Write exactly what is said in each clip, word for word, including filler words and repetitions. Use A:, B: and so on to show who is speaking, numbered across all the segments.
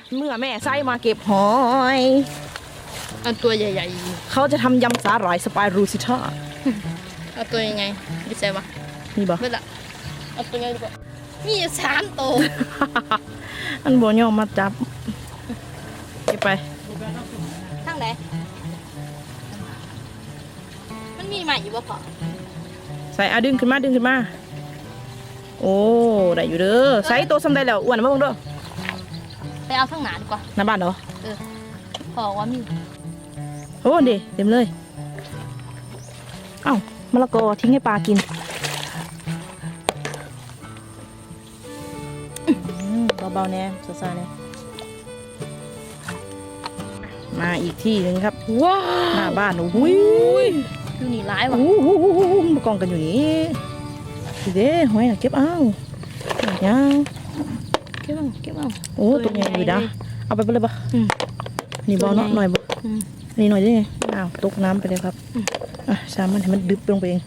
A: เมื่อแม่ไส้มาเก็บหอย
B: เอาตัวใหญ่
A: เขาจะทำยำสาหร่ายสไปรูซิท่า
B: ๆเอาตัวยังไงไม่ใช่ปะ
A: นี่บ่
B: ไม่ละเอาตัวยังไงดีกว่ามีอยู่สามตัว
A: อันบ่ยอมมาจับเก็บไป
B: ทั้งไหนมันมีใหม่อยู่ปะพอ
A: ใส่เอาดึงขึ้นมาดึงขึ้นมาโอ้ได้อยู่เด้อใส่ตัวซ้ำได้แล้วอ้วนมาเบิ่งเด้อ
B: ไปเอาทั้งหนาดีกว่า
A: หน้าบ้านเหรอ
B: เออพอว่ามี
A: โอ้ดิเต็มเลยเอ้ามะละกอทิ้งให้ปลากินเบาๆแน่ซาๆแน่มาอีกที่หนึ่งครับ
B: ว้า
A: หน้าบ้านโอ้ย
B: ดูนี่ร้ายว่ะ
A: โอ้โหมากองกันอยู่นี่ดีเด้หอยน่ะเก็บเอายัง
B: เก็บเอาเก็บเอา
A: โอ้ตัวใหญ่อยู่นะเอาไปไปเลยปะ
B: อืม
A: นี่บอลเนาะหน่อยบ่
B: อืม
A: นี่หน่อยดิอ้าวตกน้ำไปเลยครับอ่ะสามมันให้มันดึบลงไปเอง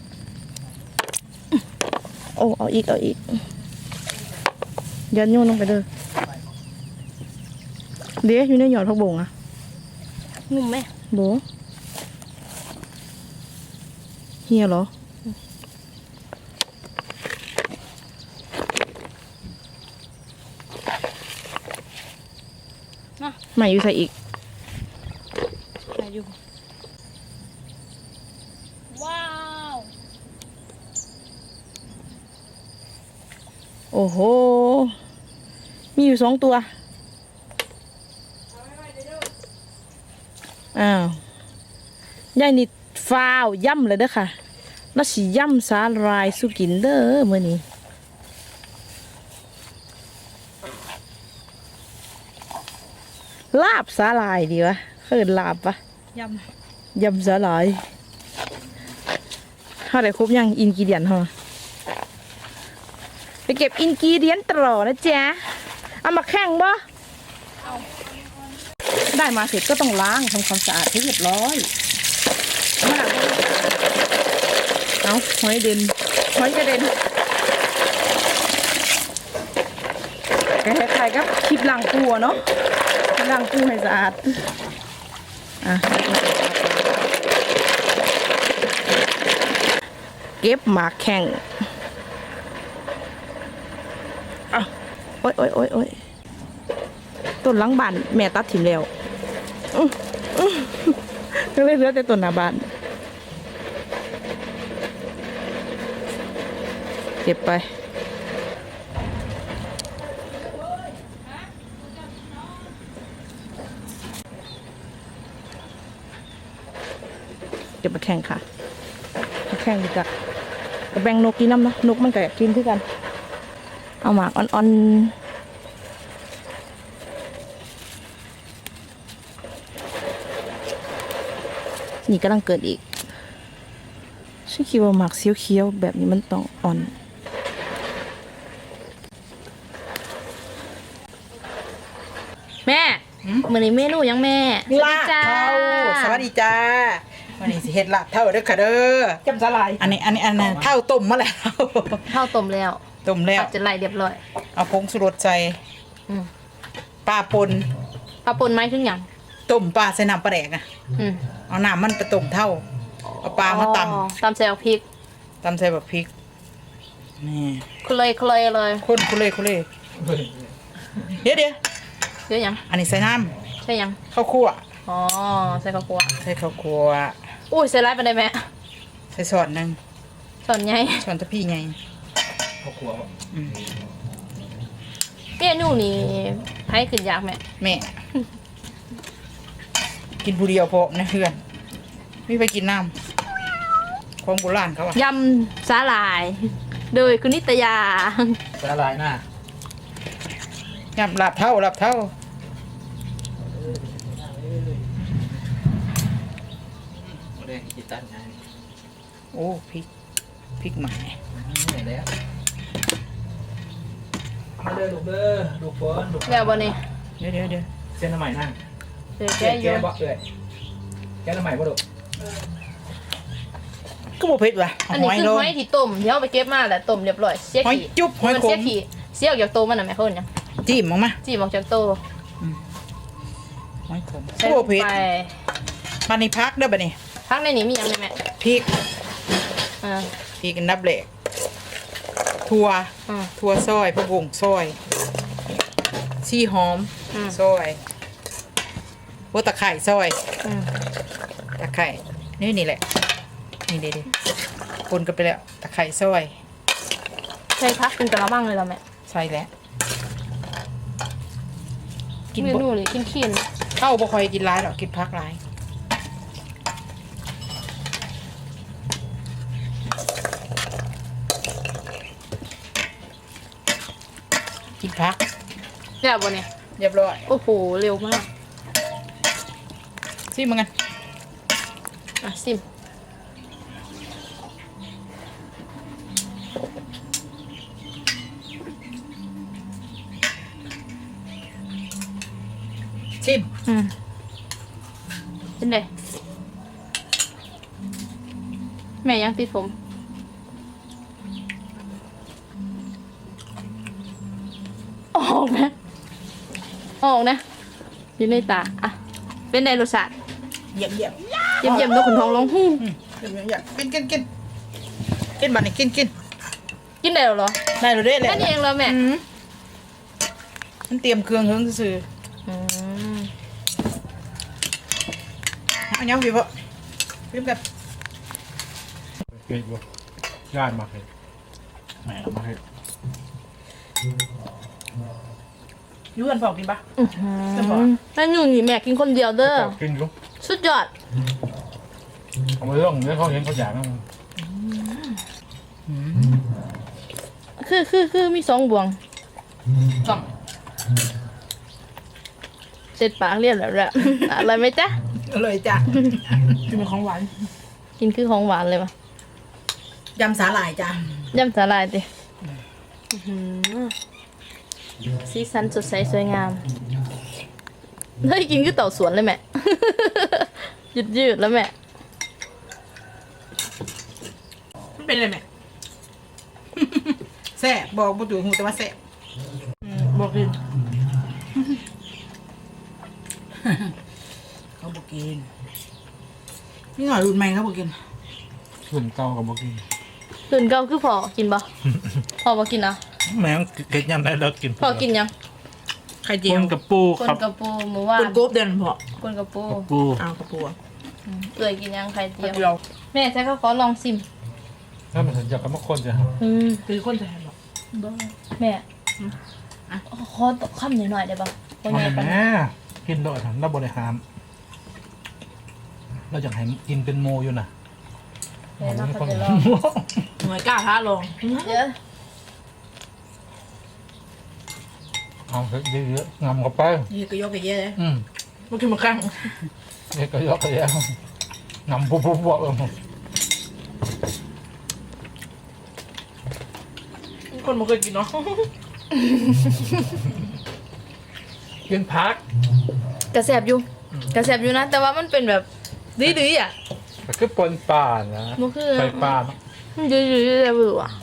A: โอ้เอาอีกเอาอีกยันโยนลงไปเลยเดี๋ยวอยู่ในหยอดผักบงอ่ะ
B: งุ่มไหม
A: โบเฮียเหรอใหม่อยู่ใส่อีก
B: ไหนอยู่ว้าว
A: โอ้โหมีอยู่สองตัวอ้าวยายนี่ฟ้าวย่ำเลยเด้อค่ะแล้วสิย่ำสาหร่ายสุกินเด้อมื้อนี้ลาบสาหร่ายดีวะเขินลาบปะ
B: ย
A: ยำสาหร่ายเท่าไหร่ครบยังอินกิเดียนเหรอไปเก็บอินกิเดียนตลอดนะจ๊ะเอามาแข่งบ่ได้มาเสร็จก็ต้องล้างทำความสะอาดให้เรียบร้อยมาเอาหอยเด่นหอยกระเด็นคล้ายๆกับคลิปล้างปูอะเนาะล้างปูให้สะอาดอ่ะเก็บหมากแข่งอ่ะโอ๊ยโอ๊ยโอ๊ยโอ๊ยต้นหลังบ้านแม่ตัดถิ่มแล้วอื้ออื้อก็เลยเหลือแต่ต้นหน้าบ้านเก็บไปเก็บมาแข่งค่ะมาแข่งดีกว่าแบ่งนกกินน้ำเนาะนกมันก็อยากกินคือกันเอาหมากอ่อนๆนี่กำลังเกิดอีกฉันคิดว่าหมากเขียวๆแบบนี้มันต้องอ่อน
B: แม่เหมือนในเมนูยังแม่
C: ลาบเท่าสวัสดีจ้าวันนี้สิเฮ็ดลาบเท่าเด้อค่ะเด้อ
A: จำสลาย
C: อันนี้อันนี้อันนั้นเท่าต้มมาแล้ว
B: ข้าวต้มแล้ว
C: ต้มแล้ว
B: จะไล่เรียบร้อย
C: เอาผงชูรสใส่
B: อืม
C: ปลาปน
B: ปลาปนไม้ขึ้นอย่าง
C: ต้มปลาใส่น้ำปลาแดกอ่ะ
B: อืม
C: เอาน้ำมันไปต้มเท่าเอาปลามาต
B: อ๋อตำใส่พริก
C: ำตำใส่แบบพริกนี่
B: เคลยเคลยเลย
C: คนคุเล่คุเล่เดี๋ยวเดี๋ยว
B: เยอะยัง
C: อันนี้ใส่น้
B: ใช่ยัง
C: ำข้าวคั่ว
B: อ๋อใส่ข้าวคั่ว
C: ใส่ข้าวคั่ว
B: อุ้ยใส่ไรไปได้ไหม
C: ใส่ส่วนหนึ่ง
B: ส่วนใหญ่
C: ส่วนตะพี่ไง
B: เมนูนี่ให้ขึ้นยากไหม
C: แม่ กินผู้เดียวพอนะเพื่อนไม่ไปกินน้ำของโบราณเขาอะ
B: ยำสาหร่าย โดยคุณนิตยา
D: สาลายหน้าย
C: ำลาบเท่าลาบเท่า
D: โมเดลกิตันไง
C: โอ้พริกพริกใหม่
D: เหนื่อยแล้วมาเด้อลูกเด้อลูกฝนลูก
B: แล้วบ่นี่
C: เดี๋ยวเดี๋ยวเดี๋ยว
D: เส้นน้ำใหม่นั่ง
B: เดี๋ยวแก
D: แก้
B: โย
D: แก้
B: น
D: บ่เอ้ยแก้น้ำใหม่บ่ลูก
C: ก็บ่เผ็ดว่ะ
B: อัน
C: ห
B: นี้
C: อย
B: คือ
C: โล
B: หอยที่ต้มเดี๋ยวเอาไปเก็บมาแหละต้มเรียบร้อยเสีย
C: หอย
B: ขี้
C: จุ๊บหอย
B: มัน
C: ข
B: เสีย
C: ม
B: ขี้เสียออกจากตัวมันน่ะแม่คนยัง
C: จิ้มออกมา
B: จี้ออกจากโตว
C: หอยขม
B: ใส่
C: โอ้
B: ลง
C: เผ็ด
B: ไป
C: มานี่พักเด้อบัดนี้
B: พักในนี้มีอย่างไรแม่
C: พริก
B: อ่า
C: พริกอันดับแรกถั่ว
B: อ่า
C: ถั่วซอยผักบุ้งซอยชีหอม
B: อืม
C: ซอยหัวตะไคร้ซอย
B: อืม
C: ตะไคร้นี่นี่แหละนี่เด็ดๆคนกันไปแล้วตะไคร้ซอย
B: ใส่พักเป็นกระมังเลยเหรอแม่
C: ใส่แล้วกิน
B: เม
C: บ่
B: นูนี่กินขี้น
C: เข้าบ่ค่อยกินร้ายหรอกกินพักร้ายกินพัก
B: เดี๋ยวบนเนี่ย
C: เรียบร้อย
B: โอ้โหเร็วมาก
C: ซิมึงกัน
B: อ่ะซิม
C: ชิม
B: อืมเป็นไงแม่ยังติดผมออกนะออกนะอยู่ในตาอ่ะเป็นไงรสชาติ
C: เยี่ยมเยี่ยม
B: เยี่ยมเยี่ยมๆนกขุนทองร้องฮู้
C: อืมเยี่ยมเยี่ยมเยี่ยมกินกินกินกินบัดนี้กินกิน
B: กินได้แล้วเหรอ
C: ได้เลยเด้แหละ
B: แค่นี้เองเหรอแม่
C: อืมมันเตรียมเครื่องเฮิงซื่อ
B: อืม
C: ๆเอาเนี้ยพี่พ่อพี่กัน
D: เผ็ดบ่ย่านมากเลยแหมมาให้
C: ยูกันพอกินปะ
B: อื้อหือแล้วอยู่นี่แม่กินคนเดียวเด้อ
D: กินอยู่
B: สุดยอด
D: เอามาเรื่องนี้เขาเห็นเขาอยากนะ
B: คือคือคือมีสองบวง
C: สอง
B: เสร็จปากเรียบแล้วแหละ อะไรไหมจ๊ะ
C: เลยจ้ะกินเป็นของหวาน
B: กินคือของหวานเลยปะ
C: ยำสาหร่ายจ้ะ
B: ย่ำสาลายดิอื้อหือสีสันสดใสสวยงามเฮ้ยกินคือเต่าสวนเลยแม่ ยืดยืดๆแล้วแม่
C: มันเป็นอะไรแม่ แซ่บบอกบ่ถูกหูแต่ว่าแซ่บบอกกิน เขาบอกกินนี่หน่อยรุ่นใหม่เขาบอกกิน
D: ส่วนเก่ากับบ่กิน
B: ตื่นเก้าคือพอกินปะ พอมากินนะ
D: แม่งเกิดยำได้แล้วกิน
B: พอกินยัง
C: ไข่เจี
D: ป
C: ยวน
D: กับปู
B: คน
D: ครับ
B: กระปูหมูว่าน
C: คนกบเดินพอก
B: คนกระปู
D: กับปู
C: อ้าวกระปูอ่ะ
B: อืมเอื่อยกินยังไข่เจียว
C: เดียว
B: แม่ใช้ข้าวขอลองซิม
D: ถ้ามันสัญญากับมะคนจะ
B: อืม
C: คือคนแทนหรอก
B: แม่
C: อ่ะ
B: ขอตกคำหน่อยๆได้ปะว่า
D: เอา
B: ไงปะ
D: แม่กินโดยถังเราบริหารเราอยากให้กินเป็นโมอยู่นะ
B: แม่น่าเขาจะลอง
C: หน่วยกล้าท้าลอง
B: เดี๋ยว
D: เอาเถอะเยอะๆงำเข้าไป
C: นี่ก็ยกไปเยอะเลย
D: อืม
C: มันคือมาครั้ง
D: เด็กก็ยกไปแล้วงำปุ๊บปุ๊บปุ๊บเออ
C: คนมันเคยกินเนาะ
D: กินพัก
B: กระแสบอยู่กระแสบอยู่นะ แต่ว่ามันเป็นแบบดื้อๆอ่ะ
D: ก็คือปนป่านะ
B: มันคือ
D: ใส่ป่าเนอะ
B: มันดื้อๆแต่เบื่ออ่ะ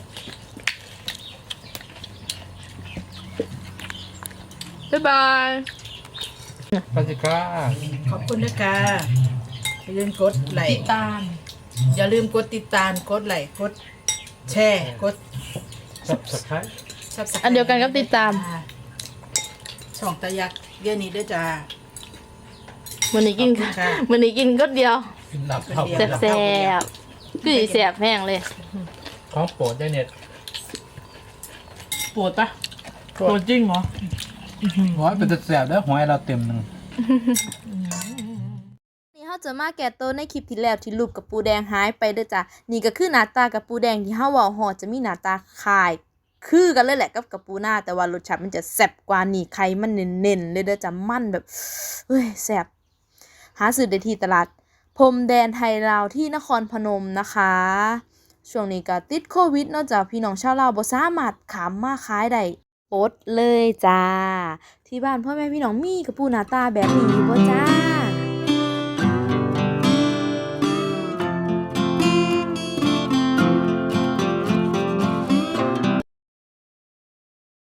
B: บ๊ายบาย
D: ปาจิก้า
C: ขอบคุณนะคะอย่าลืมกดไลค์
B: ติดตาม
C: อย่าลืมกดติดตามกดไลค์กดแชร์กด
D: สับสับไข่
C: Subscribe
B: อันเดียวกันกับติดตาม
C: ช่องตายักษ์เดี๋ยวนี้ด้วยจ้า
B: มันนี้กิน
C: ขอบคุณค่ะ
B: มันนี้กินก็เดียว
D: กินหลับเข้า
C: เดี๋
B: แส
C: ยว
B: บๆคือสิแสบแห้งเลย
D: ของโปรดได้เน็ต
C: ปวดปะปวดจริงเหรอ
D: หอยเป็นแสบแล้วหอยเราเต็มหนึ่ง
B: นี่เขาจะมาแก่ตัวในคลิปที่แล้วที่รูปกับปูแดงหายไปเด้อจ้ะนี่ก็คือหน้าตากับปูแดงที่เฮาเว้าฮอดจะมีหน้าตาคล้ายคือกันเลยแหละกับกับปูหน้าแต่ว่ารสชาติมันจะแซ่บกว่านี่ไข่มันเน้นๆเลยเด้อจ้ะมันแบบเฮ้ยแซ่บหาซื้อได้ที่ตลาดพรมแดนไทยลาวที่นครพนมนะคะช่วงนี้ก็ติดโควิดเนอกจากพี่น้องชาวลาวบ่สามารถขามมาขายได้อดเลยจ้าที่บ้านพ่อแม่พี่น้องมีกระปูหน้าตาแบบนี้บ่จ้า